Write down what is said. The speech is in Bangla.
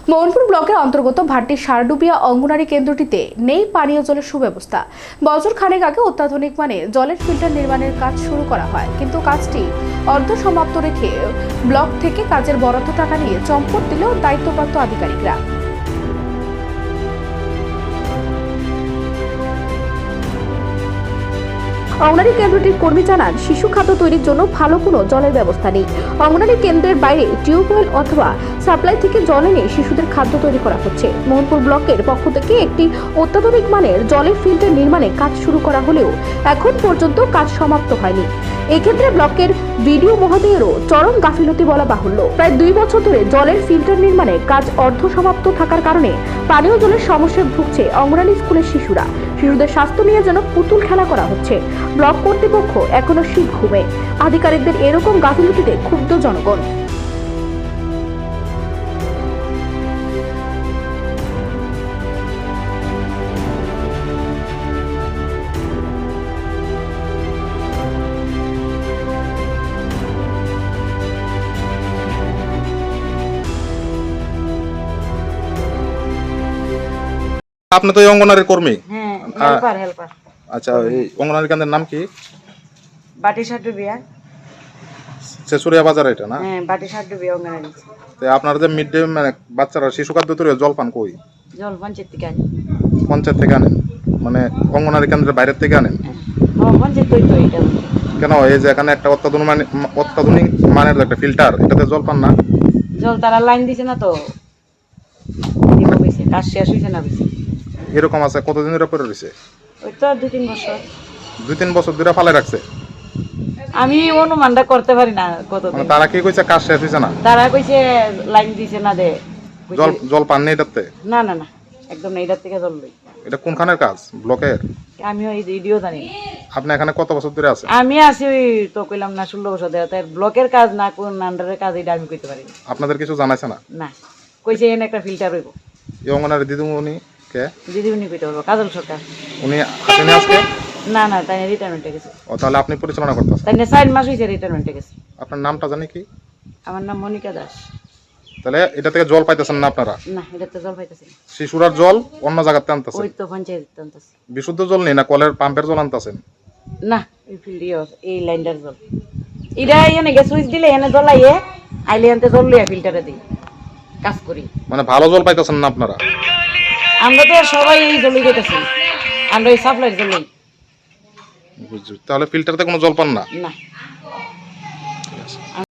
মোহনপুর ব্লকের অন্তর্গত ভাট্টির সারডুবিয়া অঙ্গনারী কেন্দ্রটিতে নেই পানীয় জলের সুব্যবস্থা। বছর খানেক আগে অত্যাধুনিক মানের জলের ফিল্টার নির্মাণের কাজ শুরু করা হয়, কিন্তু কাজটি অর্ধসমাপ্ত রেখে ব্লক থেকে কাজের বরাদ্দ টাকা নিয়ে চম্পট দিল দায়িত্বপ্রাপ্ত আধিকারিকরা। অঙ্গনারী কেন্দ্রটির কর্মী জানান, শিশু খাদ্য তৈরির জন্য ভালো কোনো জলের ব্যবস্থা নেই। অঙ্গনারী কেন্দ্রের বাইরে টিউবওয়েল অথবা সাপ্লাই থেকে জল এনে শিশুদের খাদ্য তৈরি করা হচ্ছে। মোহনপুর ব্লকের পক্ষ থেকে একটি অত্যাধুনিক মানের জলের ফিল্টার নির্মাণে কাজ শুরু করা হলেও এখন পর্যন্ত কাজ সমাপ্ত হয়নি। এক্ষেত্রে ব্লকের বিডিও মহোদয়েরও চরম গাফিলতি বলা বাহুল্য। প্রায় 2 বছর ধরে জলের ফিল্টার নির্মাণে কাজ অর্ধ সমাপ্ত থাকার কারণে পানীয় জলের সমস্যায় ভুগছে অঙ্গনারী স্কুলের শিশুরা। শিশুদের স্বাস্থ্য নিয়ে যেন পুতুল খেলা করা হচ্ছে। ব্লক কর্তৃপক্ষ এখনো শীত ঘুমে। আধিকারিকদের এরকম গাফিলতিতে ক্ষুব্ধ জনগণ। আপনি তো এই অঙ্গনারীর কর্মী। হ্যাঁ, হেল্পার। আচ্ছা, এই অঙ্গনারী কেন্দ্রের নাম কি? বাটি সারডুবিয়া। শেষুরিয়া বাজার এটা না? হ্যাঁ, বাটি সারডুবিয়া অঙ্গনারী। তো আপনারা যে মিড ডে মানে বাচ্চারা শিশু খাদ্য তৈরি জল পান কই? জল পঞ্চায়েত থেকে আনি। পঞ্চায়েত থেকে আনেন? মানে অঙ্গনারী কেন্দ্রের বাইরের থেকে আনেন? হ্যাঁ, পঞ্চায়েত তো এটা। কেন এই যে এখানে একটা অত্যাধুনিক মানের একটা ফিল্টার, এটাতে জল পান না? জল তারা লাইন দিছে না তো, দিব কইছে, কাজ শেষ হইছে না কইছে। এরকম আছে কতদিন ধরে পড়ে রয়েছে? ওই তো 2-3 বছর। 2-3 বছর ধরে ফালে রাখছে। আমি অনুমানটা করতে পারি না কতদিন। মানে তারা কি কইছে কাজ শেষ হইছে না? তারা কইছে লাইন দিছে না দে। জল পান নেই এটাতে? না না না, একদম না, এটার থেকে জল লই। এটা কোনখানের কাজ? ব্লকের? আমি ওই ভিডিও জানি। আপনি এখানে কত বছর ধরে আছেন? আমি আছি ওই তো কইলাম না 16 বছর ধরে। তাই ব্লকের কাজ না কোন আন্ডারের কাজ এটা আমি কইতে পারি না। আপনাদের কিছু জানাইছে না? না, কইছে এনে একটা ফিল্টার হইব। এই অঙ্গনারী দিদিমণি কে? দিদিমণি কইতে পারবো, কাজল সরকার। উনি আসেনি আজকে? না না, তাই রিটায়ারমেন্টে গেছে। ও, তাহলে আপনি পরিচালনা করতেছেন? তাই 4 মাস হয়েছে রিটায়ারমেন্টে গেছে। আপনার নামটা জানি কি? আমার নাম মনিকা দাস। তাহলে এটা থেকে জল পাইতেছেন না আপনারা? না, এটাতে জল পাইতেছি না। শিশুরার জল অন্য জায়গাতে আনতেছেন? ওই তো পঞ্চায়েত আনতেছি। বিশুদ্ধ জল নেই না, কলের পাম্পের জল আনতেছেন? না, এই ফিল্টার, এই লাইনটার জল। এটা এনে গে সুইচ দিলে এনে জল আইয়ে আইলে আনতে জল লইয়া ফিল্টারে দিই, কাজ করি। মানে ভালো জল পাইতেছেন না আপনারা? আমরা তো সবাই এই জলই খাইতেছি, আমরা এই সাপ্লাইয়ের জলই। বুঝছি। তাহলে ফিল্টারতে কোনো জল পান না? না।